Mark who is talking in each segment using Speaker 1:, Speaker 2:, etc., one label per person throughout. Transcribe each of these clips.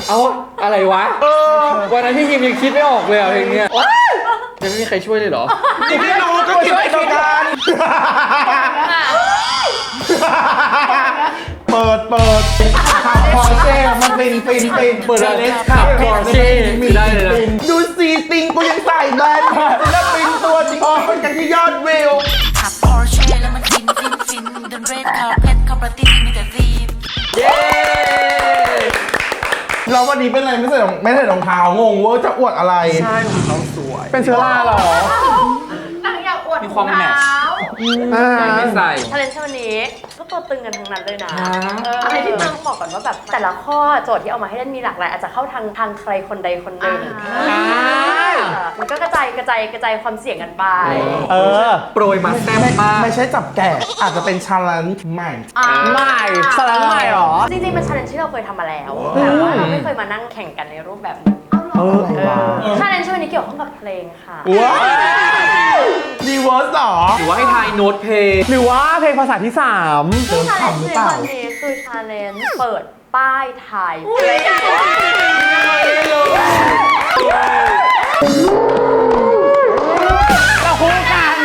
Speaker 1: เอาอะไรวะวันนั้นพี่ยิมยังคิดไม่ออกเลยเพลงเนี้ยยังไม่มีใครช่วยเลยเหรอ
Speaker 2: ไม่รู้ก็คิดไปตรงกันเปิดขับพอเช่มันฟินเปิดอะไรขับพอเช่มีได้เลยดูซีติงกูยังใส่แบนแล้วฟินตัวจริงคนกันที่ยอดวิว
Speaker 3: ขับพอเช่แล้วมันฟินเดินเรดคาร์เพทเข้าประเทศมีแต่ซีม
Speaker 1: เย้
Speaker 2: เราวันนี้เป็นอะไรไม่ใส่รองเท้างงว่าจะอวดอะไรใช่รองเท้าสวยเป็นเชื้อราหร
Speaker 4: นางอยากอวด
Speaker 1: มีความแมทช์ไม่ใส่
Speaker 4: ทาเลนต์วันนี้ก็ตัวตึงกันทั้งนั้นเลยนะอะไรที่ต้องบอกก่อนว่าแบบแต่ละข้อโจทย์ที่เอามาให้เล่นมีหลากหลายอาจจะเข้าทางใครคนใดคนหนึ่งมันก็กระจายความเสี่ยงกันไป
Speaker 1: โปรยมาแซ่บมาก
Speaker 2: ไม่ใช่จับแกะอาจจะเป็นชาเลนจ์ใหม่
Speaker 5: ชาเลนจ์ใหม่หรอ
Speaker 4: จริงๆเป็นชาเลนจ์ที่เราเคยทำมาแล้วแต่ว่าเราไม่เคยมานั่งแข่งกันในรูปแบบนี้ชาเลนจ์วันนี้เกี่ยวข้องกับเพลงค่ะ
Speaker 2: ว้าวรีเวิร์สหรอ
Speaker 1: หรือว่าให้ทายโน้ตเพลง
Speaker 5: หรือว่าเพลงภาษาที่3
Speaker 4: ซึ่งชาเลนจ์ในวันนี้คือชาเลนจ์เปิดป้ายทายเพลง
Speaker 5: เราคู่กัน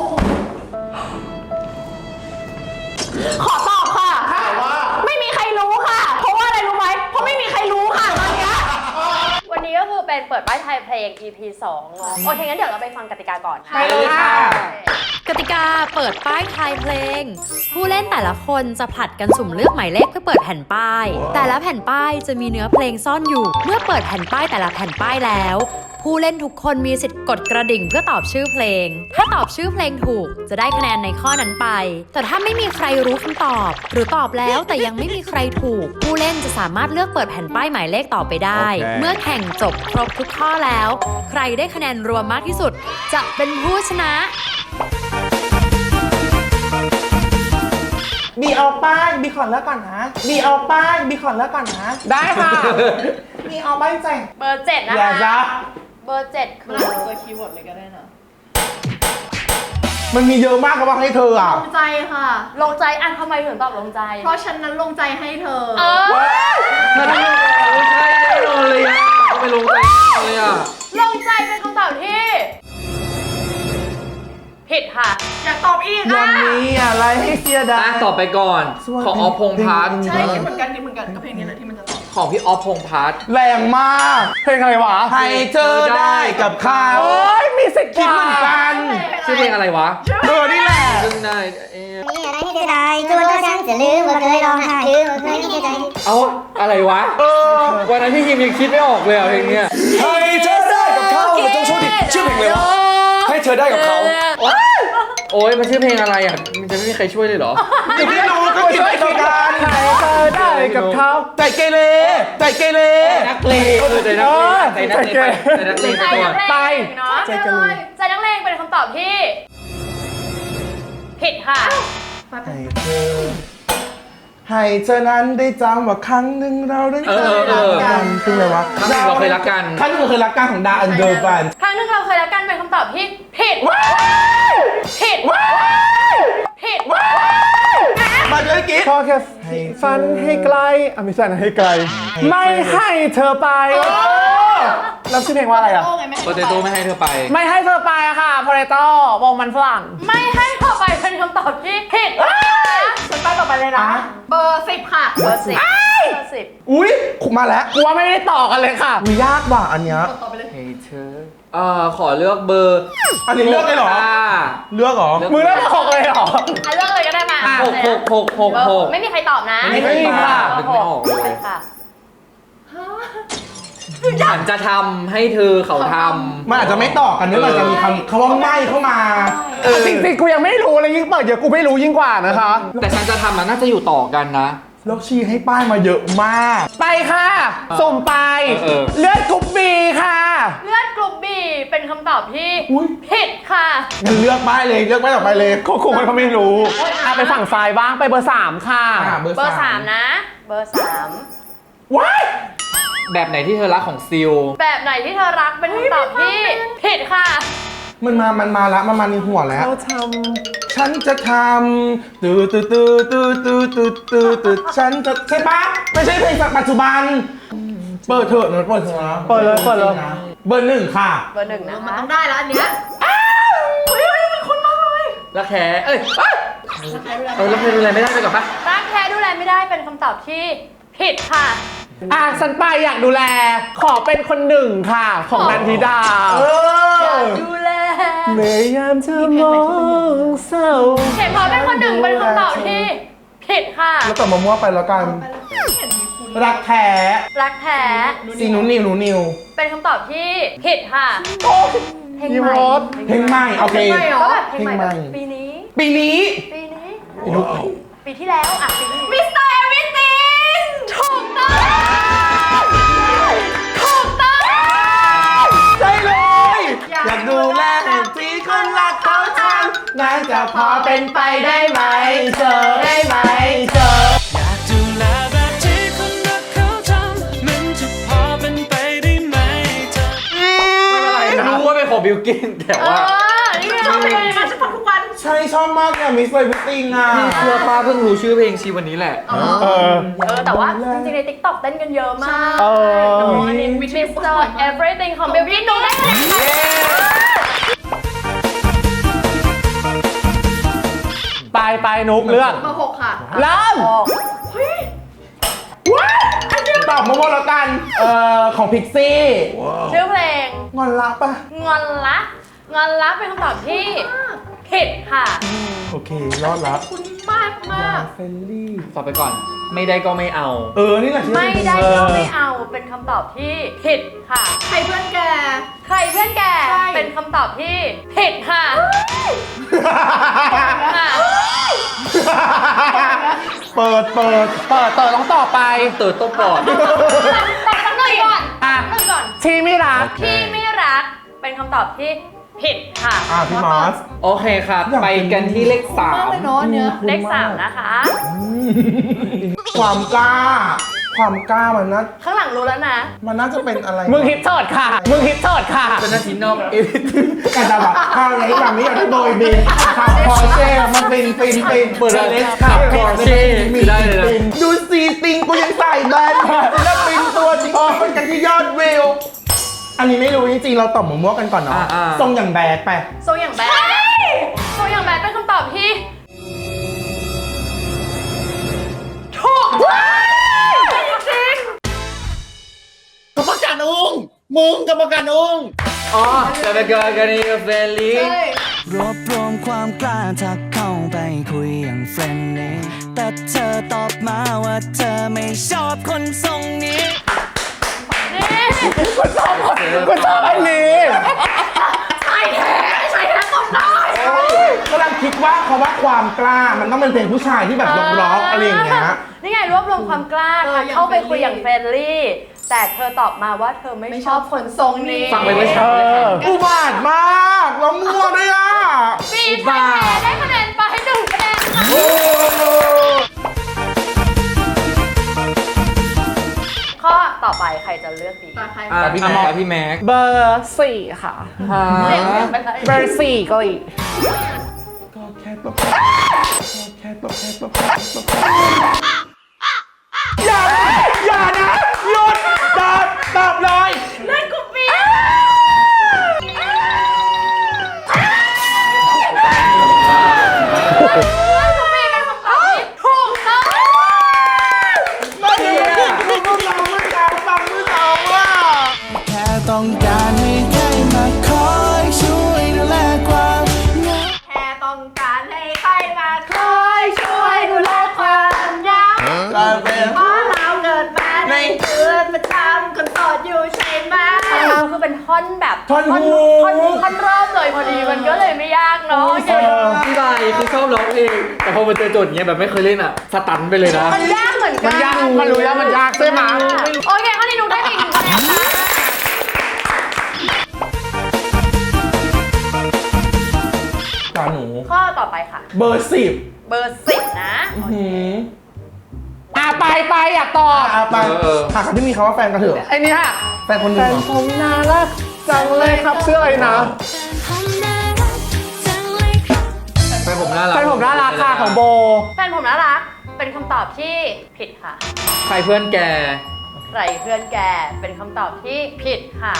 Speaker 4: ขอตอบค่ะไม่มีใครรู้ค่ะเพราะว่าอะไรรู้ไหมเพราะไม่มีใครรู้ค่ะตอนนี้วันนี้ก็คือเป็นเปิดป้ายทายเพลง EP 2โอเคงั้นเดี๋ยวเราไปฟังกติกาก่อน
Speaker 5: ไปเลยค่ะ
Speaker 6: กติกาเปิดป้ายทายเพลงผู้เล่นแต่ละคนจะผลัดกันสุ่มเลือกหมายเลขเพื่อเปิดแผ่นป้ายแต่ละแผ่นป้ายจะมีเนื้อเพลงซ่อนอยู่เมื่อเปิดแผ่นป้ายแต่ละแผ่นป้ายแล้วผู้เล่นทุกคนมีสิทธิ์กดกระดิ่งเพื่อตอบชื่อเพลงถ้าตอบชื่อเพลงถูกจะได้คะแนนในข้อนั้นไปแต่ถ้าไม่มีใครรู้คำตอบหรือตอบแล้วแต่ยังไม่มีใครถูกผู้เล่นจะสามารถเลือกเปิดแผ่นป้ายหมายเลขต่อไปได้เมื่อแข่งจบครบทุกข้อแล้วใครได้คะแนนรวมมากที่สุดจะเป็นผู้ชนะ
Speaker 2: บีเอาป้ายบีขอเลิกก่อนนะบีเอาป้ายบีขอเลิกก่อนนะ
Speaker 5: ได้ค่ะ
Speaker 2: บีเอาป้ายแจ้ง
Speaker 4: เบอร์7นะคะเบอร์7คือตัวคีย์เวิร์ดเลยก็ได้นะ
Speaker 2: มันมีเยอะมากกับว่าให้เธออ่ะ
Speaker 4: ลงใจค่ะลงใจทำไมถึงตอบลงใจเพราะฉันนั้นลงใจให้เธอ
Speaker 1: ไม่ใช่เลยอ่ะไม่ลงใจเลยอ่ะ
Speaker 4: ลงใจเป็นคำตอบที่ผิดค่ะอยากตอบอีก
Speaker 2: วันนี้อะไรให้เสียดาย
Speaker 1: ตอบไปก่อนของออฟพงษ์พัฒน์
Speaker 4: ใช่คิดเหมือนกันกับเพลงนี้แหละที่มันจะตอบ
Speaker 1: ของพี่ออฟพงษ์พัฒน์
Speaker 2: แรงมาก
Speaker 5: เพลงอะไรวะ
Speaker 2: ให้เจอได้กับเขามีสิทธิ์คิดเหมือนกัน
Speaker 1: ชื่อเพลงอะไรวะ
Speaker 2: นี่แหละ
Speaker 1: ได้
Speaker 3: นี่อะไรที่จะได้จนกว่าฉันจะลืมว่าเคยร้องไห้ลืมว่าเคยมีใจ
Speaker 1: เอาอะไรวะวันนั้นพี่ยิมยังคิดไม่ออกเลยเพลงเนี้ย
Speaker 2: ให้เธอได้กับเขามันต้องโชว์ดิชื่อเพลงอะไรวะให้เธอได้กับเขา
Speaker 1: โอ้ยมันชื่อเพลงอะไรอ่ะมันจะไม่มีใครช่วยเลยเหรอ
Speaker 2: ไม่รู้ก็คิดไปตรงกัน
Speaker 5: ให้เธอได้กับเขา
Speaker 2: ใจเกเร
Speaker 1: นักเลงใจนักเลง
Speaker 4: ไปใจนักเลงเป็นคำตอบที่ผิดค่ะ
Speaker 2: ให้เธอนั้นได้จำว่าครั้งหนึ่งเราได้เคยรักกันคืออะไรวะ
Speaker 1: ครั้งหนึ่งเราเคยรักกัน
Speaker 2: ครั้งหนึ่งเราเคยรักกันของดาอันเดอร์แฟน
Speaker 4: ครั้งหนึ่งเราเคยรักกันเป็นคำตอบที่ผิด
Speaker 2: มาเลยกิ๊ด
Speaker 5: พอแค่ฝันให้ไกลไม่ใช่นะให้ไกลไม่ให้เธอไปแล้วชื่อเพลงว่าอะไรอ่ะ
Speaker 1: โปเตโต้ไม่ให้เธอไป
Speaker 5: ไม่ให้เธอไปค่ะโปเตโต้วงมันฝรั่ง
Speaker 4: ไม่ให้เธอไปเป็นคำตอบที่ผิดฉันไปต่อไปเลยนะเบอร์10ค่ะเบอร์10
Speaker 2: อุ้ยมาแล้ว
Speaker 5: กูว่าไม่ได้ต่อกันเลยค่ะ
Speaker 2: ยากว่ะอันเนี้ย
Speaker 1: ให้เธอขอเลือกเบอร์
Speaker 2: อันนี้เลือกเลยเหรอเลือกเหรอ
Speaker 5: มือเลือก6เลยเหรอ
Speaker 4: เลือกเลยก็ได้มา
Speaker 1: 6
Speaker 4: ไม่มีใครตอบนะ
Speaker 1: ไม่มีค่ะนึกไม่ออกเลยฉันจะทำให้เธอเขาทำ
Speaker 2: มันอาจจะไม่ต่อกันด้วยมันจะมีคำว่าไม่เข้ามา
Speaker 5: จริงๆกูยังไม่รู้เลยยิ่งเปิดเยอะกูไม่รู้ยิ่งกว่านะคะ
Speaker 1: แต่ฉันจะทำมันน่าจะอยู่ต่อกันนะ
Speaker 2: แล้วชี้ให้ป้ายมาเยอะมาก
Speaker 5: ไปค่ะส่งไปเลือดกรุ๊ปบีค่ะ
Speaker 4: เลือดกรุ๊ปบีเป็นคำตอบที่ผิดค่ะ
Speaker 2: งั้นเลือกป้ายเลยเลือกป้ายต่อไปเลย
Speaker 5: คงเขาไม่รู้ไปฝั่งซ้ายบ้างไปเบอร์3ค่ะ
Speaker 4: เบอร์3นะเบอร์3
Speaker 2: ว้าย
Speaker 1: แบบไหนที่เธอรักของซิล
Speaker 4: แบบไหนที่เธอรักเป็นคำตอบที่ผิดค่ะ
Speaker 2: มันมาละมันมาในหัวแล้วฉันจะทำฉันจะใช่ปะไม่ใช่เพลงปัจจุบันเปิดเถอะนะเปิดเถอะนะ
Speaker 5: เปิดเลยเปิดเลย
Speaker 2: เบอร์หนึ่งค่ะ
Speaker 4: เบอร์หนึ่งนะคะ
Speaker 7: ต้องได้แล้วอันเนี้ย
Speaker 1: รักแท้เอ้ยรักแท้ดูแลไม่ได้ไปก่อนปะ
Speaker 4: รักแท้ดูแลไม่ได้เป็นคำตอบที่ผิดค่ะ
Speaker 5: ฉันไปอยากดูแล ขอเป็นคนหนึ่งค่ะ ของนันทิดา
Speaker 4: ดูแล
Speaker 5: เมื่อยามเธอมองเศร้า
Speaker 4: เห็นพอเป็นคนหนึ่งเป็นคำตอบที่ผิดค่ะ
Speaker 2: แล้วต่อมามั่วไปแล้วกัน รักแท้
Speaker 4: รักแท้
Speaker 2: ซีหนูนิว
Speaker 4: เป็นคำตอบที่ผิดค่ะเพลง
Speaker 5: พี่
Speaker 4: ใหม่
Speaker 5: มด
Speaker 2: เพลงใหม่โอเค
Speaker 4: ก็แบบเพลงใหม่
Speaker 2: เพลงใหม่
Speaker 4: แบบปีนี้
Speaker 2: ปีนี้
Speaker 4: ปีนี้
Speaker 2: ปีนุ๊ก
Speaker 4: ปีที่แล้วอ่ะปีนี้มิสเตอร์เอวิติงถูกต้องถูกต้อง
Speaker 2: ใช่เลย อยากดูแลที่คนรักเขาทำน่าจะพอเป็นไปได้ไหมเจอได้ไหมเจอ
Speaker 8: ดูแลแบบที่คนรักเขาทำมันจะพอเป็นไปได้ไหมเธอ
Speaker 1: รู้ว่าเป็นของบิลกินแต่ว่า
Speaker 4: นี่ไงเราเป็นยังไงมาฉันฟังทุกวัน
Speaker 2: ใช่ชอบมากเนี่ยมิสเลยพิตติ้งอ่ะ
Speaker 1: พี่เชื่อป้าเพิ่งรู้ชื่อเพลงชีวันนี้แหละ
Speaker 4: แต่ว่าจริงๆใน TikTok เต้นกันเยอะมาก
Speaker 5: เออ
Speaker 4: มิสเตอร์ everything ของเบลลี่หนูได้คะแนนค่ะ
Speaker 5: ไปนุกเลือก
Speaker 7: เบอร์ 6 ค่ะ
Speaker 5: เริ่ม
Speaker 2: ตอบมาหมดแล้วกัน ของพิกซี่
Speaker 4: ชื่อเพลง
Speaker 2: งอนรักปะ
Speaker 4: งอนละงอนละเป็นคำตอบที่ผิดค่ะ
Speaker 2: โอเค รอดละ
Speaker 7: คุณมากมาก
Speaker 2: เฟลลี่
Speaker 1: ตอบไปก่อน ไม่ได้ก็ไม่เอา
Speaker 2: นี่แหละที่
Speaker 4: ไม่ได้ก็ไม่เอาเป็นคำตอบที่ผิดค่ะ
Speaker 7: ใครเพื่อนแก
Speaker 4: ใครเพื่อนแก
Speaker 7: ใช่
Speaker 4: เป็นคำตอบที่ผิดค่ะค่ะ
Speaker 2: เปิด
Speaker 5: ต้องต่อไป
Speaker 1: เติร์ดโต้ปอด
Speaker 4: แต่ตั้งหนึ่งก่อน
Speaker 5: อ่ะ
Speaker 4: ตั้งก่อน
Speaker 5: ที่ไม่รัก
Speaker 4: ที่ไม่รักเป็นคำตอบที่ผิดค่ะ
Speaker 2: พี่มอส
Speaker 1: โอเคครับ ไปกันที่เลขสาม
Speaker 7: เลยเนาะเนี้ย
Speaker 4: เลข3นะคะ
Speaker 2: ความกล้ามันน่า
Speaker 4: ข้างหลังรู้แล้วนะ
Speaker 2: มันน่าจะเป็นอะไร
Speaker 5: มึงฮิตเถิดค่ะ มึงฮิตเถิดค่ะ
Speaker 1: เป็นนาทีนอกเอวิท
Speaker 2: กันดาบัตข้าวนี้แบบนี้อยากได้โดยบินขับพอเช่มันเป็น
Speaker 1: เปิดเลยขับ Porsche ได้เลยนะ
Speaker 2: ดูซีติงกูยังใส่แบนแล้วปินตัวจริงคนกันที่ยอดวิว อันนี้ไม่รู้จริงๆเราตอบหมูมั่วกันก่อนเนาะทรงอย่างแบดไป
Speaker 4: โซอย่างแบดโซอย่างแบดเป็นคำตอบที่ถูกจริง
Speaker 2: กรรมการอุ้งมึงกรรมการอุ้ง
Speaker 1: อ๋อจะไปเกิดกันในเฟรนลี่
Speaker 8: รวบรวมความกล้าทักเข้าไปคุยอย่างเฟรนลี่แต่เธอตอบมาว่าเธอไม่ชอบคนทรงนี้
Speaker 4: นี่
Speaker 5: ก็ชอบไอ้นี่
Speaker 4: ใช่แท้ตอบได้
Speaker 2: กำลังคิดว่าคำว่าความกล้ามันต้องเป็นเพลงผู้ชายที่แบบร็อกอะไรอย่างเงี้ย
Speaker 4: นี่ไงรวบรวมความกล้าค่ะเข้าไปคุยอย่างเฟรนลี่ แต่เธอตอบมาว่าเธอไม่ชอบคนทรงนี้
Speaker 1: ฟังไปเมื่อเช้าเลยค่ะ
Speaker 2: อุบาทมากแล้วมั่วด้วยอ่ะ
Speaker 4: ปีไทยแท้ได้คะแนนไป1 คะแนนค่ะข้อต่อไปใครจะเลือกดี
Speaker 7: ตาใคร
Speaker 1: พี่แม็กพี่แม็ก
Speaker 5: เบอร์4ค่ะ
Speaker 4: เด็กไปเลย
Speaker 5: เบอร์4ก็อีก
Speaker 2: ก็แค่ตบอย่านะหยุดตอบเลย
Speaker 4: เล่นกูปี
Speaker 8: แค่ต้องการให้ใครมาคอยช่วยดูแลความเหงา
Speaker 4: แค่ต้องการให้ใครมาคอยช่วยดูแลความเหงาเพราะเราเกิดมาในคืนประจำคนโสดอยู่ใช่ไหมคือเป็นท่อนแบบ
Speaker 2: ท่อนฮุก
Speaker 4: ท่อนรอบเลยพอดีมันก็เลยไม่ยากเนาะโอเค
Speaker 1: พี่บายคือชอบร้องเพลงแต่พอมาเจอโจทย์อย่างเงี้ยแบบไม่เคยเล่นอ่ะสตันไปเลยนะ
Speaker 4: มันยากเหมือนกัน
Speaker 5: มันยากมันรู้แล้วมันยากใช่ไหม
Speaker 4: โอเคข้อนี้หนูได้ไปอีก1 คะแนนค่ะ
Speaker 2: ตาหนู
Speaker 4: ข้อต่อไปค่ะ
Speaker 2: เบอร์ 10
Speaker 4: เบอร์10นะ
Speaker 5: ไปอยากตอบ
Speaker 2: ไปหาคำที่มีคำว่าแฟนกันเถอะ
Speaker 5: ไอ้นี่ค่ะ
Speaker 2: แฟนคนห
Speaker 5: แฟ
Speaker 2: นึ่ง
Speaker 5: นผมน่ารักจังเลยครับเสื้ออะไรนะ
Speaker 1: แฟนผมน่ารัก
Speaker 5: แฟนผมน่ารักค่ะของโบ
Speaker 4: แฟนผมน่ารักเป็นคำตอบที่ผิดค่ะ
Speaker 1: ใครเพื่อนแก
Speaker 2: โอเค
Speaker 4: ใครเพื่อนแกเป็นคำตอบที่ผิดค่ะ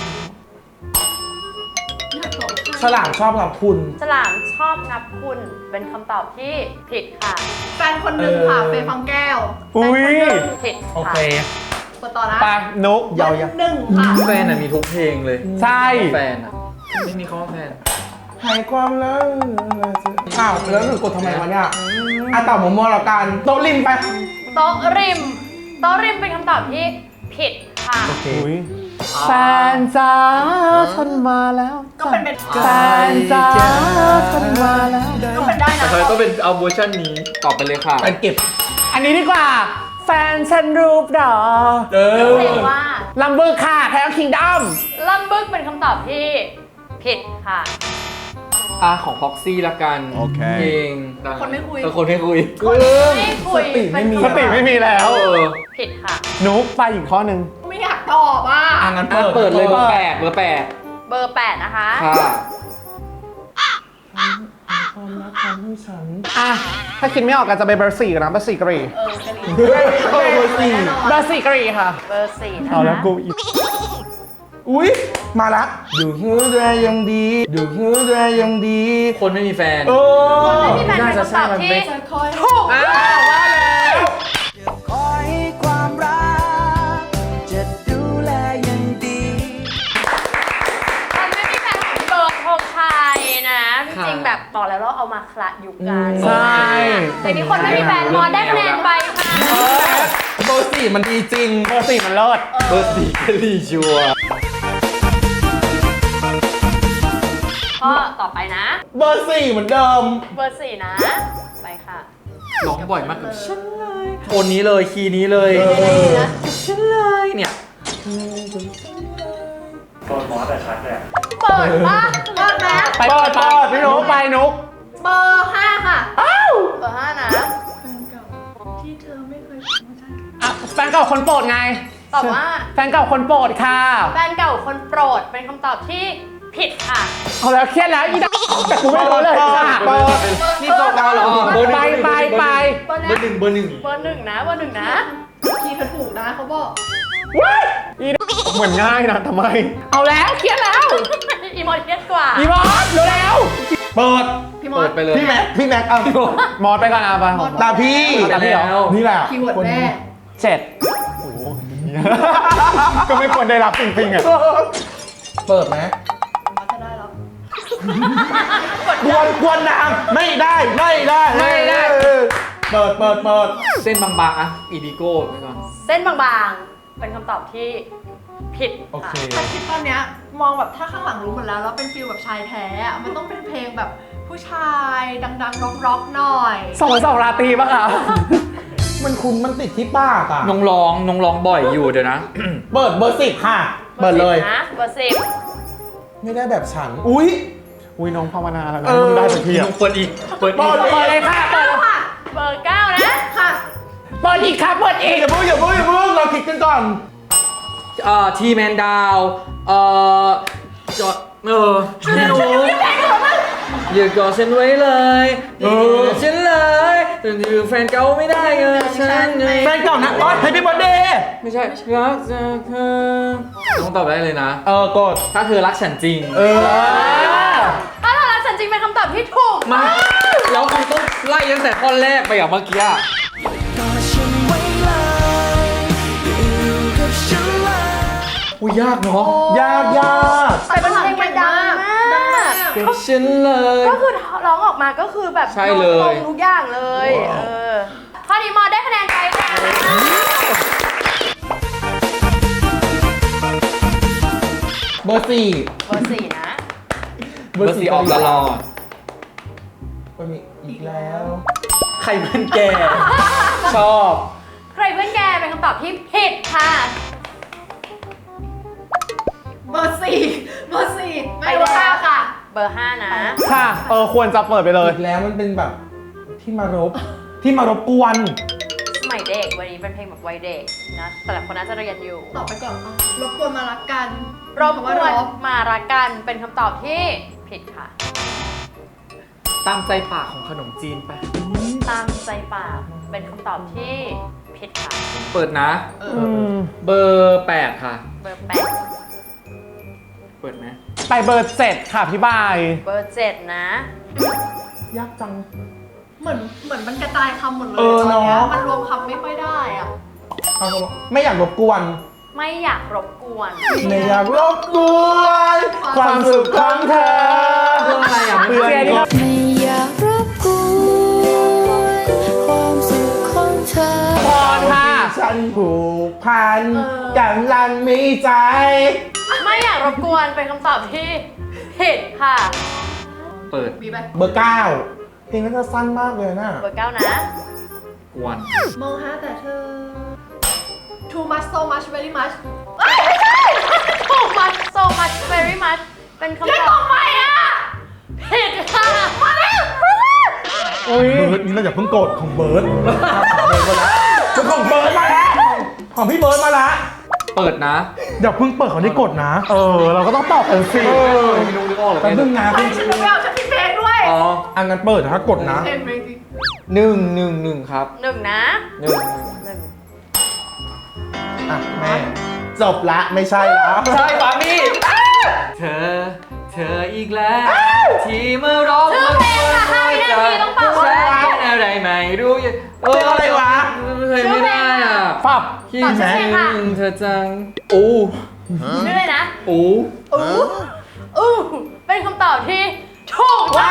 Speaker 2: ฉลามชอบกับคุณ
Speaker 4: ฉลามชอบงับคุณเป็นคำตอบที่ผิดค่ะ
Speaker 7: แฟนคนหนึ่งค่ะเฟย์ฟังแก้ว
Speaker 5: อุ้ย
Speaker 4: ผิด
Speaker 2: โอ
Speaker 4: ค่ะ
Speaker 2: เค
Speaker 7: เปิดต่อนะ
Speaker 5: ไปนุก
Speaker 2: ยาว
Speaker 7: หนึ่งค่ะ
Speaker 1: แฟนมีทุกเพลงเลย
Speaker 5: ใช่
Speaker 1: แฟนอะไม่มีคำว่าแฟน
Speaker 2: หายความรักอ้าวแล้วหนูกดทำไมวะเนี่ยอ่ะตอบมัวๆแล้วกันโต๊ะริมไป
Speaker 4: โต๊ะริมโต๊ะริมเป็นคำตอบที่ผิดค่ะ
Speaker 2: โอเค
Speaker 5: อุ้ยแฟนจ๋าฉันมาแล้ว
Speaker 7: ก็เป็น
Speaker 5: แฟนจ๋าฉันมาแล้ว
Speaker 7: ก็เป็นได้
Speaker 1: แต่
Speaker 7: นะ
Speaker 1: เธอต้องเป็นเอาเวอร์ชันนี้ตอบไปเลยค่ะ
Speaker 2: ไปเก็บ
Speaker 5: อันนี้ดีกว่า แฟนฉันรูปดอ
Speaker 4: เพลงว่า
Speaker 5: ลำบึกค่ะแพ้คิงดัม
Speaker 4: ลำบึกเป็นคำตอบที่ผิดค่ะ
Speaker 1: ของพ็อกซี่ละกันเพลงดัง
Speaker 7: คนไม่คุย
Speaker 1: คนไม่คุย
Speaker 4: ไม่คุย
Speaker 2: สติไม่มี
Speaker 5: สติไม่มีแล้ว
Speaker 4: ผิดค่ะ
Speaker 5: นุกไปอีกข้อหนึ่ง
Speaker 7: ไม่อยากตอบอ่ะ
Speaker 2: อ่ะงั้น
Speaker 1: เปิดเลยเบอร์แปด
Speaker 4: เบอร์ 8 นะคะ
Speaker 1: ค่ะ
Speaker 2: ความรักทำให้ฉัน
Speaker 5: อ่ะ ถ้าคิดไม่ออกก็จะไปเบอร์4กันนะเบอร์4กรี
Speaker 7: กะหรี่
Speaker 2: เฮ้ยเบอร์สี่
Speaker 5: เบอร์4กรีค่ะ
Speaker 4: เบอร์ 4 นะคะ
Speaker 5: เอาแล้วกูอีก
Speaker 2: อุ้ยมาละดูฮือแดยังดีดูฮือแดยังดี
Speaker 1: คนไม่มีแฟน
Speaker 2: โอ้
Speaker 4: ไม่มีแฟนเป็นคำตอบที่
Speaker 7: จะคอย
Speaker 4: ถูก
Speaker 2: อ้าวว่าแล้ว
Speaker 8: คอยความรัก จะดูแลอย่างดี
Speaker 4: คนไม่มีแฟนของเบิร์ดธงชัยนะจ
Speaker 1: ค่ะ
Speaker 4: ริงๆแบบบอกแล้วเราเอามาคละยุคกัน
Speaker 5: ใช่
Speaker 4: แต่นี้คนไม่มีแฟนมอได้คะแนนไปค่ะ
Speaker 2: เบอร์สี่มันดีจริง
Speaker 5: เบอร์4มันเลิศ
Speaker 1: เบอร์สี่กะหรี่ชัวร์
Speaker 4: ข้อต่อไปนะ
Speaker 2: เบอร์สี่เหมือนเดิม
Speaker 4: เบอร์ 4 นะ ไปค่ะ
Speaker 1: ร้องบ่อยมากกับฉันเลยโทนนี้เลยคีย์นี้เลยฉันเลยเนี่ย
Speaker 4: เปิดปะ
Speaker 7: เปิดนะ
Speaker 5: ไปเปิดพี่นุกไปนุก
Speaker 7: เบอร์5ค่ะ
Speaker 4: เบอร์ 5 นะ
Speaker 7: ที่เธอไม่เคยไม่ใช่
Speaker 5: อ่ะแฟนเก่าคนโปรดไง
Speaker 4: ตอบว่า
Speaker 5: แฟนเก่าคนโปรดค่ะ
Speaker 4: แฟนเก่าคนโปรดเป็นคำตอบที่ผิดค่ะ
Speaker 5: เอาแล้วเครียดแล้วอีดแต่กูไม่รู้เลยค่ะ
Speaker 2: เปิด
Speaker 1: นี่โซกาเหรอเบอร์หนึ่ง
Speaker 5: ไป
Speaker 1: เบอร์หนึ่ง
Speaker 4: เบอร์ 1 นะ เบอร์ 1 นะ
Speaker 7: คีย์เธอถูกนะเขาบอก
Speaker 5: ว้ายอีดเหมือนง่ายนะทำไม เอาแล้วเครียดแล้ว
Speaker 4: อีมอลเทียสกว่า
Speaker 5: อีมอสเร็ว
Speaker 2: เปิด
Speaker 7: พี่มอ
Speaker 1: เปิ
Speaker 7: ส
Speaker 1: ดไปเลย
Speaker 2: พี่แม็กอ่ะ
Speaker 5: ๆมอสไปก่อนอ่ะไป
Speaker 2: ตาพี่
Speaker 1: ไปแล้ว
Speaker 2: นี่แหละ
Speaker 7: คีย์เวิร์ดแม่
Speaker 5: 7ก็ไม่ควรได้รับปิงๆอ่ะ
Speaker 2: เปิดไหม
Speaker 7: มอสจะได้แล้ว
Speaker 2: กวนนางไม่ได้เปิด
Speaker 1: เส้นบางๆอะอีดิโก้ไปก่อน
Speaker 4: เส้นบางๆ เป็นคำตอบที่ผิด
Speaker 2: โอเค
Speaker 4: ค่ะ
Speaker 7: ถ้าคิดตอนเนี้ยมองแบบถ้าข้างหลังรู้หมดแล้วแล้วเป็นฟิลแบบชายแท้อะมันต้องเป็นเพลงแบบผู้ชายดังๆร็อกๆหน่อย
Speaker 5: 2 ราตรีปะคะ
Speaker 2: มันติดที่ปากอ่ะ
Speaker 1: น้องร้องบ่อยอยู่เดี๋ยวนะ
Speaker 2: เปิดเบอร์สิบค่ะ เปิดเลย
Speaker 4: นะ เบอร์
Speaker 2: ไม่ได้แบบฉัน อุ้ย
Speaker 5: อุ้ยน้องภาวนาแล้วนะ
Speaker 2: เออ
Speaker 5: มึงได้สักที
Speaker 1: พี่
Speaker 5: อ่ะ
Speaker 1: นุ๊กเปิดอีก เปิดอีก
Speaker 5: เปิดเลยค่ะ เปิด
Speaker 4: 9 เบอร์ 9 นะ
Speaker 7: ค่ะ
Speaker 5: เปิดอีกครับเปิดอีก
Speaker 2: อย่าเพิ่งเราคิดกันก่อน
Speaker 1: ทีแมนดาวจอพี่นุ๊กอย่ากอดฉันไว้เลยฉันเลยแต่อยู่แฟนเก่าไม่ได้ไงฉัน
Speaker 2: แฟนเก่านะอ๋อแฮปปี้เบิร์ดเดย์
Speaker 1: ไม่ใช่รักจะเธอต้องตอบได้เลยนะ
Speaker 2: กด
Speaker 1: ถ้าเธอรักฉันจริง
Speaker 4: ถ้าเรารักฉันจริงเป็นคำตอบที่ถูก
Speaker 1: มาแล้วคุณต้องไล่ตั้งแต่ข้อแรกไปอย่างเมื่อกี้อะ
Speaker 8: กอดฉันไว้เลยอยู่กับฉันเลย
Speaker 1: อุ้ยยากเนาะ
Speaker 2: ยาก
Speaker 4: แต่เป็นเพลงมันดังมาก
Speaker 1: กับฉันเลย
Speaker 4: ก็คือร้องออกมาก็คือแบบ
Speaker 1: ใช่เลย
Speaker 4: ตรงทุกอย่างเลยข้อนี้มอได้คะแนนไปค่ะ
Speaker 2: เบอร์สี่
Speaker 4: เบอร์ 4 นะ
Speaker 1: เบอร์สี่ออกตลอด
Speaker 2: มันมีอีกแล้ว
Speaker 1: ใครเป็นแก ชอบ
Speaker 4: ใครเพื่อนแกเป็นคำตอบที่ผิดค่ะ
Speaker 7: เบอร์4ไม่เบอร์5ค่ะ
Speaker 4: เบอร์ 5 นะ
Speaker 5: ค่ะ ควรจะเปิดไปเลย
Speaker 2: อีกแล้วมันเป็นแบบที่มารบกวน
Speaker 4: สมัยเด็กวันนี้เป็นเพลงแบบวัยเด็กนะแต่ละคนน่าจะเรียนอยู่
Speaker 7: ตอบไปก่อนรบกวนมารักกัน
Speaker 4: รบก
Speaker 7: ว่า
Speaker 4: วน
Speaker 7: รบ
Speaker 4: มารักกันเป็นคำตอบที่ผิดค่ะ
Speaker 1: ตามใจปากของขนมจีนไป
Speaker 4: ตามใจปากเป็นคำตอบที่ผิดผิดค่ะ
Speaker 1: เปิดนะ เบอร์ 8 ค่ะ
Speaker 4: เบอร์
Speaker 1: เปิดไหม
Speaker 5: ไปเบอร์ 7 ค่ะพี่บาย
Speaker 4: 8 เบอร์ 7 นะ
Speaker 2: ยากจัง
Speaker 7: เหมือนมันกระจายคำหมดเลย
Speaker 2: เออ
Speaker 7: ตอนเนี้ย
Speaker 2: เนอะ
Speaker 7: มันรวมคำไม่ค่อยได้อะ
Speaker 2: เอาไม่อยากรบกวน
Speaker 4: ไม่อยากรบกวน
Speaker 2: ไม่อยากรบกวนความสุขของเธอ
Speaker 1: เรื่องอะไรอ่ะ
Speaker 2: เพื่อนก็
Speaker 3: ไม่อยากรบกวนความสุขของเธอ
Speaker 5: พรค่ะ
Speaker 2: ฉันผูกพันกำลังมีใจ
Speaker 4: ไม่อยากรบกวนเป็นคำตอบที่ผิดค่ะ
Speaker 1: เปิด
Speaker 7: มีไหม
Speaker 2: เบอร์ 9 เพลงนั้นจะสั้นมากเลยนะ
Speaker 4: เบอร์ 9 นะ
Speaker 1: กวน
Speaker 7: มองหาแต่เธอ too much so much very much
Speaker 4: ถูก much so much very much เป็นคำตอบไม่อะผิดค่ะมาแล้ว
Speaker 5: อุ้ย
Speaker 2: เบิร์ดนี่เราอย่าเพิ่งโกรธของเบิร์ดของเบิร์ดมาแล้วของพี่เบิร์ดมาแล้ว
Speaker 1: เปิดนะ
Speaker 2: อย่าเพิ่งเปิดของที่กดนะ
Speaker 5: เราก็ต้องตอบกันสิ
Speaker 1: ไม่รู้นึกออกหรอ
Speaker 2: แป๊บนึงนะ
Speaker 7: เฮ้ยฉันรู้แล้วฉันผิดเพลงด้วย
Speaker 1: อ๋อ
Speaker 2: อันนั้นเปิดนะถ้ากดนะ
Speaker 7: เพลงเพลงจริง
Speaker 1: 1 ครับ
Speaker 4: 1 นะ
Speaker 1: หนึ่ง
Speaker 2: อ่ะแม่จบละไม่ใช่แล้ว
Speaker 1: ใช่ปามี่เธออีกแล้ว ที่มาร้อง
Speaker 4: ชื่อเพลงค่ะ5 วินาทีต้องเป่า
Speaker 1: ฉันเป็นอะไรไม่รู้เพลงอะไรวะเคยไม่ได้อ่ะ
Speaker 5: ปับ
Speaker 1: คิดถึงเธอจังโอ้
Speaker 4: ชื่อเลยนะ
Speaker 1: โอ้
Speaker 4: เป็นคำตอบที่ถูกต้อง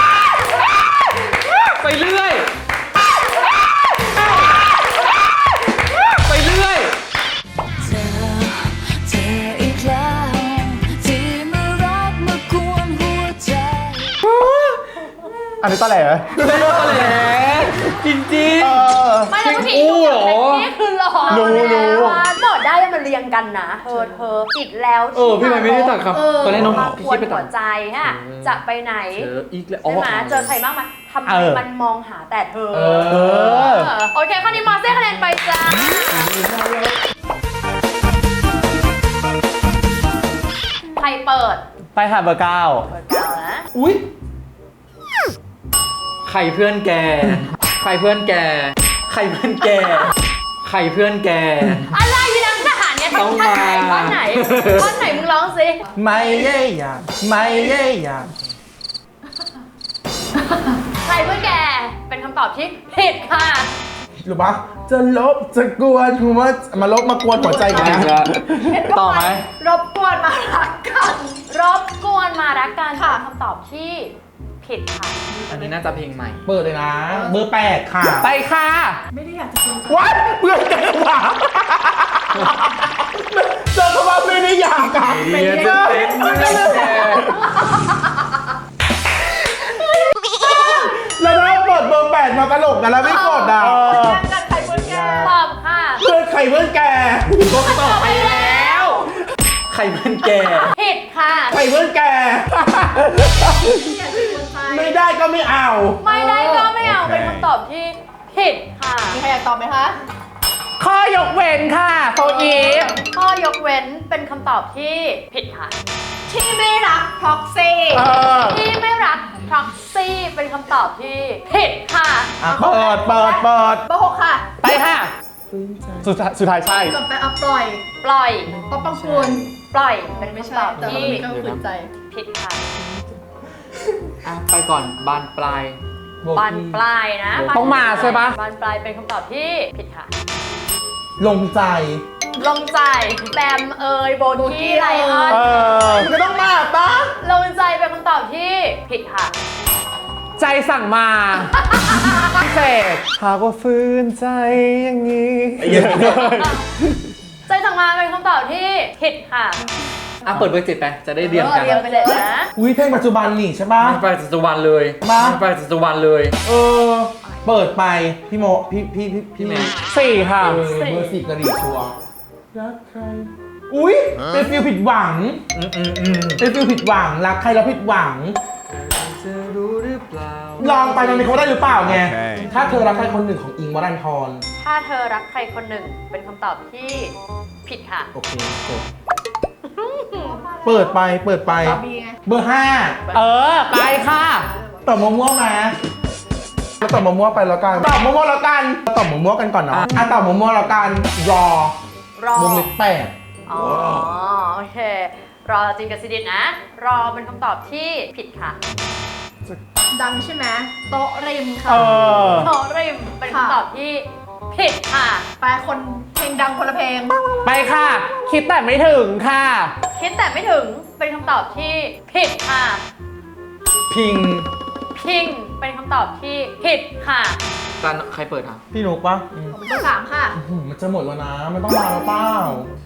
Speaker 1: ไปเรื่อย ไปเรื่อย
Speaker 3: เธออีกแล้วที่มารักมากวนหัวใจ
Speaker 5: อันนี้ตะแหล
Speaker 1: แม่ก็แหละจริง
Speaker 4: ไม่แล้วผู้หญิงทุกอย่างนี่คือหล่อ
Speaker 5: รู้
Speaker 4: หมดได้มันเรียงกันนะเธออีกแล้ว
Speaker 1: พี่ไม่ได้ตัดครับตอนแรกน้อง
Speaker 4: มา
Speaker 1: พี่
Speaker 4: คว
Speaker 1: คิ
Speaker 4: ร
Speaker 1: ดไปตั
Speaker 4: หั
Speaker 1: ด
Speaker 4: วใจฮะจะไปไหน
Speaker 1: เธออีกแล้ว
Speaker 4: ใช่ไหมเจอใครบ้างไหมทำไมมันมองหาแต่เธอ โอเคข้อนี้มาเส้คะแนนไปจ้าใครเปิด
Speaker 5: ไปค่ะเบอร์ 9
Speaker 4: เปิดเก้านะ
Speaker 2: อุ้ย
Speaker 1: ใครเพื่อนแก ใครเพื่อนแก ใครเพื่อนแก ใครเพื่อนแก
Speaker 4: อะไรอยู่นังทหารเนี่ย
Speaker 1: ต้อง
Speaker 4: ท่อน
Speaker 1: มา
Speaker 4: ไหนท่อนไหนท่อนไหนมึงร้องสิ
Speaker 2: ไม่เย่ยาไม่เย่ยา
Speaker 4: ใครเพื่อนแกเป็นคำตอบที่ผิดค่ะ
Speaker 2: รู้ปะจะลบจะกวนหัวมาลบมากวนหัวใจกัน
Speaker 1: อีก
Speaker 2: นะ
Speaker 1: แล้วต่อไหม
Speaker 7: รบกวนมารักกัน
Speaker 4: รบกวนมารักกัน
Speaker 7: ค่ะ
Speaker 4: เป็นคำตอบที่ผิดค่ะ
Speaker 1: อันนี้น่าจะเพลงใหม่
Speaker 2: เปิดเลยนะ เบอร์ 8 ค่ะ
Speaker 5: ไปค่ะ
Speaker 7: ไม่ได้อยากจะเป็น
Speaker 2: วัดเพื่อนกันหว่าเจอคำว่าไม่ได้อยากกับ
Speaker 1: เรียนจะเป็นเพื่อนแก
Speaker 2: แล้วเราเปิดเบอร์ 8 มาตลกกันแล้วไม่กดอ่ะ
Speaker 7: กันใครเพื่อนแก
Speaker 4: ตอบค่ะ
Speaker 2: เพื่อนใครเพื่อนแก
Speaker 1: ก็ตอบไปแล้ว ใครเพื่อนแก
Speaker 4: ผิดค่ะ
Speaker 2: ใครเพื่อนแก ไม่ได้ก็ไม่เอา
Speaker 4: ไม่ได้ก็ไม่เอาเป็นคำตอบที่ผิดค่ะ
Speaker 7: มีใครอยากตอบไหมคะ
Speaker 5: ข้อยกเว้นค่ะโฟอีฟ
Speaker 4: ข้อยกเว้นเป็นคำตอบที่ผิดค่ะ
Speaker 7: ที่ไม่รักพ็อกซี่
Speaker 4: ที่ไม่รัก proxy เป็นคำตอบที่ผิดค่ะ
Speaker 2: เปิด
Speaker 7: เบอร์ 6 ค่ะ
Speaker 5: ไปค่ะ สุดท้ายใช่
Speaker 7: กลับไปเอาปล่อย
Speaker 4: ปล่อย
Speaker 7: ป๊อปปังปูน
Speaker 4: ปล่อยเป็น
Speaker 7: ไม่
Speaker 4: คำ
Speaker 7: ใช่
Speaker 4: ตอบ
Speaker 7: แต่มัน
Speaker 4: ที่
Speaker 7: มีก็ฝืนใจ
Speaker 4: ผิดค่ะ
Speaker 1: ไปก่อนบานปลาย
Speaker 4: บานปลายนะ
Speaker 5: ต้องมาใช่ปะ
Speaker 4: บานปลายเป็นคำตอบที่ผิดค่ะ
Speaker 2: ลงใจ
Speaker 4: ลงใจแบมเอยโบกี้ไลออน
Speaker 2: ไม่ต้องมาปะ
Speaker 4: ลงใจเป็นคำตอบที่ผิดค่ะ
Speaker 5: ใจสั่งมาพิเศษหากว่าฟื้นใจอย่างนี้
Speaker 4: ใจสั่งมาเป็นคำตอบที่ผิดค่ะ
Speaker 1: เปิดเบอร์ 7ไป จะได้เรียนกัน
Speaker 4: เรียงไปเลยนะ
Speaker 2: อุ้ยเพลงปัจจุบันนี่ใช่ปะ
Speaker 1: ไม่ไปจัตุวันเลย
Speaker 2: มา
Speaker 1: ไม่ไปจัตุวันเลย
Speaker 2: เปิดไปพี่โมพี่
Speaker 1: แม่
Speaker 5: 4 ค่ะ
Speaker 2: เบอร์ 4กระดิ่งชัวร์รักใคร อุ้ยเป็นฟิลผิดหวัง เป็นฟิลผิดหวัง รักใครแล้วผิดหวัง
Speaker 1: จะรู้หรือเปล่า
Speaker 2: ลองไปตอนนี้เขาได้หรือเปล่าไง ถ้าเธอรักใครคนหนึ่งของอิงค์วรันทร
Speaker 4: ถ้าเธอรักใครคนหนึ่งเป็นคำตอบที่ผิดค่ะ
Speaker 2: โอเคกดเปิดไป
Speaker 7: บีไง
Speaker 2: เบอร์
Speaker 5: ไปค่ะ
Speaker 2: 5ต่อม่วงๆมาก็ตอบมั่วๆไปแล้วกันตอบมั่วๆแล้วกันตอบมั่วๆกันก่อนเนาะตอบมั่วๆแล้วกันรอ
Speaker 4: รอ
Speaker 2: วงเล็บแปด
Speaker 4: อ๋อโอเค รอจริงกับซิดินนะ รอเป็นคำตอบที่ผิดค่ะ
Speaker 7: ดังใช่ไหมโต๊ะริมค่ะ
Speaker 4: โทริมเป็นคำตอบที่ผิดค่ะ
Speaker 7: ไปคนเพลงดังคนละเพลง
Speaker 5: ไปค่ะ คิดแต่ไม่ถึงค่ะ
Speaker 4: คิดแต่ไม่ถึงเป็นคำตอบที่ผิดค่ะ
Speaker 1: พิง
Speaker 4: พิงเป็นคำตอบที่ผิดค่ะ
Speaker 1: ตอนใครเปิดอ่ะ
Speaker 2: พี่นุกปะ
Speaker 7: ผมเบอร์ 3 ค่ะ
Speaker 2: มันจะหมดแล้วนะมันต้องมาแล้วเปล่า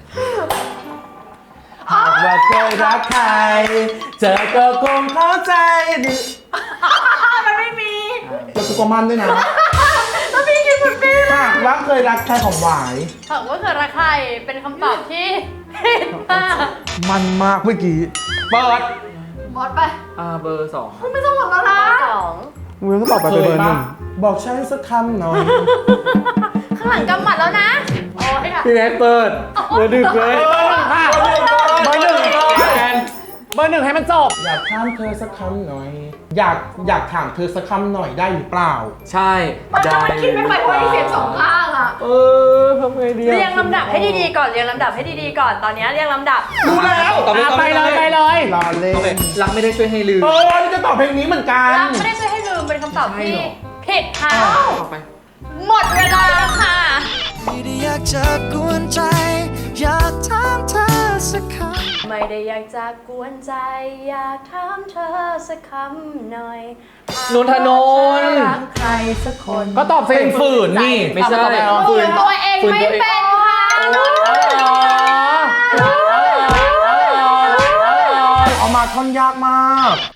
Speaker 2: หากว่าเคยรักใครเจอก็คงเข้าใจดิ
Speaker 4: มันไม่มี
Speaker 2: แล้วกูก็มั่นด้วยนะ
Speaker 4: แล้วพี่กินหมดปี
Speaker 2: หากว่าเคยรักใครของหวาย
Speaker 4: ถามว่าเกิดอะไรใครเป็นคำตอบที่ผิดค่ะ
Speaker 2: มันมากเมื่อกี้เปิด
Speaker 7: บอสไป
Speaker 1: เบอร์ 2
Speaker 7: ไม่ต้องหมดแล้วนะ
Speaker 4: สอง
Speaker 5: มึงก็ตอบไปเป็นเบอร์หนึ่ง
Speaker 2: บอกฉันสักคำหน่อย
Speaker 4: ข้างหลังกำหมัดแล้วนะ โอ้ยค่ะ
Speaker 5: พี่แม็กเปิดเบอร์หนึ่งเลยค่ะเบอร์หนึ่งเบอร์หนึ่งให้มันจบ
Speaker 2: อยากถามเธอสักคำหน่อย อยากถามเธอสักคำหน่อยได้หรือเปล่า
Speaker 1: ใช่
Speaker 7: มันจะมันคิดไม่ไปเพราะไอ้เสียงสองข้างอ่ะ
Speaker 5: ทำไงดี
Speaker 4: เรียงลำดับให้ดีๆก่อนเรียงลำดับให้ดีๆก่อนตอนนี้เรียงลำดับ
Speaker 2: รู้แล้ว
Speaker 1: ตอบเลย
Speaker 5: ไปเลยไปเลย
Speaker 2: รอเล่
Speaker 1: โอเคน รักไม่ได้ช่วยให้ลืม
Speaker 2: นี่จะตอบเพลงนี้เหมือนกัน
Speaker 4: รักไม่ได้ช่วยให้ลืมเป็นคำตอบที่ผิดค่ะ
Speaker 1: ต่อไป
Speaker 4: หมดเวลาแล้วค่ะ
Speaker 8: ไม่ได้อยากจะกวนใจ อยากถามเธอสักคำ
Speaker 4: ไม่ได้อยากจะกวนใจ อยากถามเธอสักคำหน่อย
Speaker 1: นนทนนท์
Speaker 4: รักใครสักคน
Speaker 5: ก็ตอบสิ
Speaker 2: เป็นฝืนนี่
Speaker 1: ไม่ใช่
Speaker 4: ฝืนตัวเองไม่เป็นค่ะนนทนนท์
Speaker 2: เอามาท่อนยากมาก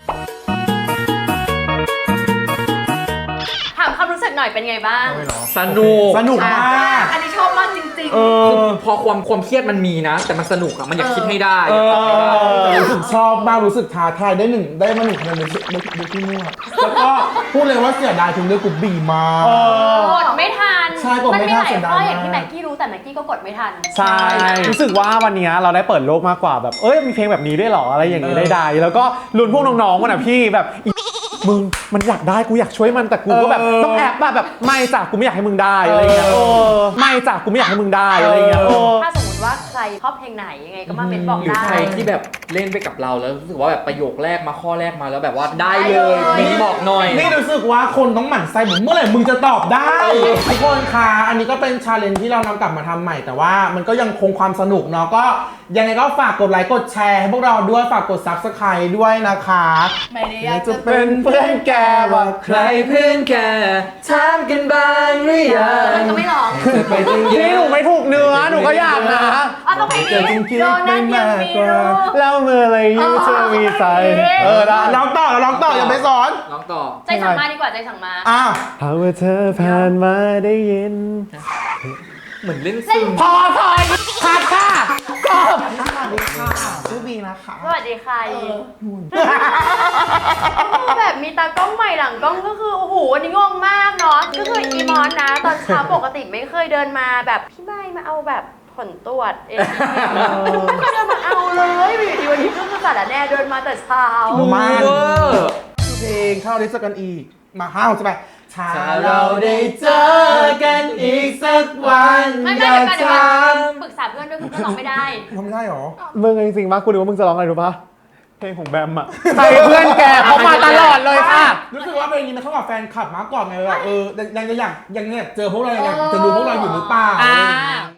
Speaker 4: ถามความรู้สึกหน่อยเป็นไงบ้าง
Speaker 1: สนุก
Speaker 2: สนุกมาก
Speaker 7: อันนี้ชอบมากจริง
Speaker 1: พอความเครียดมันมีนะ แต่มันสนุกอะมันอยากคิดให้ได้อยากตอบให้ได้
Speaker 2: แต่รู้สึกชอบมากรู้สึกท้าทายได้มาหนึ่งคะแนนในที่มั่วแล้วก็พูดเลยว่าเสียดายถึงเรื่องกูบีมาก
Speaker 4: กดไม่ทัน
Speaker 2: ใช่กดไม่ทัน
Speaker 4: มันมีหลาย
Speaker 2: เสียดาย
Speaker 4: ข้ออย่างที่
Speaker 2: มาก
Speaker 4: แม็กกี้รู้แต่แม็กกี้ก็กดไม่ทัน
Speaker 5: ใช่ รู้สึกว่าวันนี้เราได้เปิดโลกมากกว่าแบบ เอ้ย มีเพลงแบบนี้ด้วยเหรอ อะไรอย่างนี้ได้ แล้วก็ลุ้นพวกน้องๆมันอ่ะพี่แบบอีมึงมันอยากได้กูอยากช่วยมันแต่กูก็แบบต้องแอบแบบไม่จ้ะกูไม่อยากให้มึงได้อะไรอย่างเงี้ยไม่จ้ะกูไม่อยากให้มึงได้อะไรอย่างเงี้ย
Speaker 4: ถ้าสมมติว่าใครชอบเพลงไหนยังไงก็มาเมนบอก
Speaker 1: หรือ
Speaker 4: ได้
Speaker 1: ใครที่แบบเล่นไปกับเราแล้วรู้สึกว่าแบบประโยคแรกมาข้อแรกมาแล้วแบบว่าได้เลยมีบอกหน่อย
Speaker 2: นี่รู้สึกว่าคนต้องหมั่นไส้ผมเมื่อไหร่มึงจะตอบได้ทุกคนค่ะอันนี้ก็เป็นชาเลนจ์ที่เรานำกลับมาทำใหม่แต่ว่ามันก็ยังคงความสนุกเนาะก็ยังไงก็ฝากกดไลค์กดแชร์ให้พวกเราด้วยฝากกด Subscribe ด้วยนะคะ
Speaker 7: ๆ ไม่ได้อยาก
Speaker 2: จะ
Speaker 7: จะ
Speaker 2: เป็นเพื่อนแกว่า
Speaker 1: ใครเพื่อนแกถามกันบ้างหรือยัง
Speaker 4: มันก็ไม่ร้อง
Speaker 1: ไปจริง
Speaker 5: พี่หนูไม่ถูกเนื้อหนูก็อยากนะ
Speaker 4: ต้องเพลงนี้โดนัทยังมีรู้
Speaker 5: แล้วเมื่อไรยูจะมีใจได้
Speaker 2: ร้องต่ออย่าไปสอน
Speaker 1: ร้องต่อ
Speaker 4: ใจสั่งมาดีกว่าใจสั่งมา
Speaker 2: อ้าว
Speaker 5: หากว่าเธอผ่านมาได้ยิน
Speaker 1: เหมือนเล่นซึม
Speaker 5: พอคัดค่ะกบ
Speaker 2: ชื่อบีนะคะ
Speaker 4: สวัสดีค่ะแบบมีตากล้องใหม่หลังกล้องก็คือโอ้โหวันนี้งงมากเนาะก็คืออีมอนนะ ตอนเช้าปกติไม่เคยเดินมาแบบพี่ไม่มาเอาแบบผลตรวจเองไม่เคยเดินมาเอาเลยอยู่ดีวันนี้ก็คือสารแน่เดินมาแต่เช้า
Speaker 2: มา
Speaker 1: เวอร์
Speaker 2: เพลงเข้าลิสต์กันอีกมาห้าวใช่ไหมถ้า
Speaker 1: ถ้า
Speaker 2: เรา
Speaker 1: เรา
Speaker 2: ได้
Speaker 1: ได้
Speaker 2: เจ
Speaker 1: เจ
Speaker 2: อ
Speaker 1: อ
Speaker 2: กั
Speaker 1: กัน น
Speaker 2: อี
Speaker 1: อี
Speaker 2: ก
Speaker 1: ก
Speaker 2: สั
Speaker 1: สั
Speaker 2: ก
Speaker 1: ก
Speaker 2: วั
Speaker 1: วัน น
Speaker 4: ไม่
Speaker 2: อ
Speaker 4: ไม่
Speaker 2: ยาก
Speaker 4: เดี๋ยว
Speaker 2: ถ
Speaker 4: ก่อน
Speaker 2: าม
Speaker 4: ปรึกษาเพื่อนด้วยคุณก็ร้องไม่ได้
Speaker 2: ทำไม่ได้หรอ
Speaker 5: มึงจริงๆมากกูนึกว่ามึงจะร้องอะไรรู้ปะเพลงของแบมอะใครเพื่อนแกเขามาตลอดเลยค่ะ
Speaker 2: รู้สึกว่าเพลงนี้มันเข้ากับแฟนคลับมากกว่าไงแบบยังอยากเจอพวกเรายังอยากจะดูพวกเราอยู่หรือเปล่า
Speaker 4: อ่า